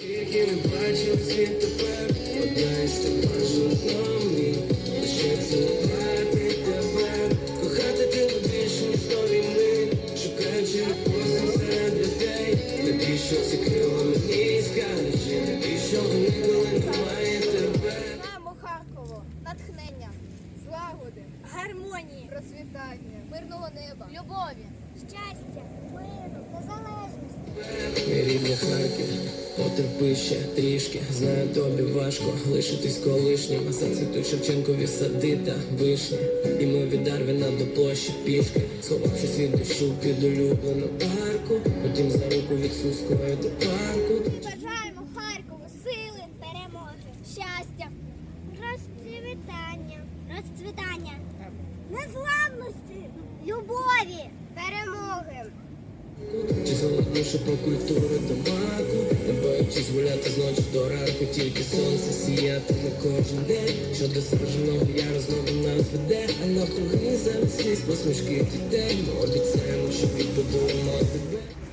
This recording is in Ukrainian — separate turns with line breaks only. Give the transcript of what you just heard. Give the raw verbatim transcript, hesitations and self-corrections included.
Тільки не бачив світ тепер, одна із тебе жодної, лише цілувати тебе, кохати тебе більше, ніж до війни, шукаючи просто серед людей, навіщо ці крила мені скажи, навіщо ніколи немає тебе.
Мамо Харково, натхнення, злагоди, гармонії, процвітання, мирного неба, любові,
щастя, миру, незалежності.
Мій рідний Харків, потерпи ще трішки, знаю, тобі важко лишитись колишнім, а зацвітуть Шевченкові сади та вишні. І ми від Дарвіна до площі пішки, сховавшись від душу під улюблену парку, потім за руку від Сумської до парку.
Ми бажаємо Харкову сили, перемоги, щастя, розцвітання, розцвітання, незламності, любові, перемоги.
Чи солодніше по культури табаку, не боячись гуляти з ночі до ранку, тільки сонце сіятиме кожен день, що до справжнього яру знову нас веде, а навкруги замість сліз посмішки дітей, ми обіцяємо, що відбудуємо тебе.